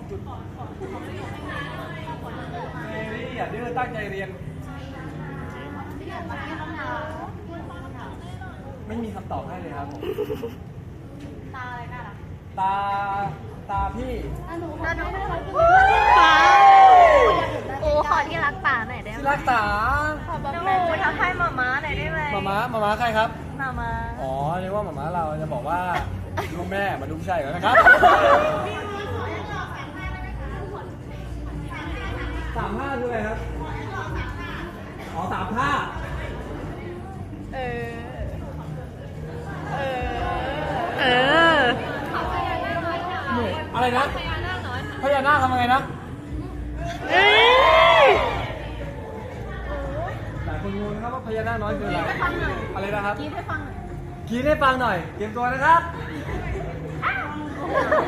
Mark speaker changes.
Speaker 1: นี่อย่าดื้อตั้งใจเรียนไม่มีคำตอบให้เลยครับผมตาอะไรน่ารักตาพี่
Speaker 2: ป๋าโอ้ขอที่รักป๋าหน่อยได้ไหม
Speaker 1: ที่รักตา
Speaker 2: น้องโอ้ทักทายหมาม้าหน่อยได้ไหม
Speaker 1: หมาม้าใครครับ
Speaker 2: หมาม้า
Speaker 1: อ๋อเรียกว่าหมาม้าเราจะบอกว่าลูกแม่มาดูผู้ชายกันนะครับ35คืออะไรครับอ๋อ35
Speaker 2: เออ
Speaker 1: อะไรนะพญานาคทำยังไงนะหลายคนงงนะครับว่าพญานาคน้อยคืออะไรอะไรนะครับกรี๊ดให้ฟังหน่อยเตรียมตัวนะครับ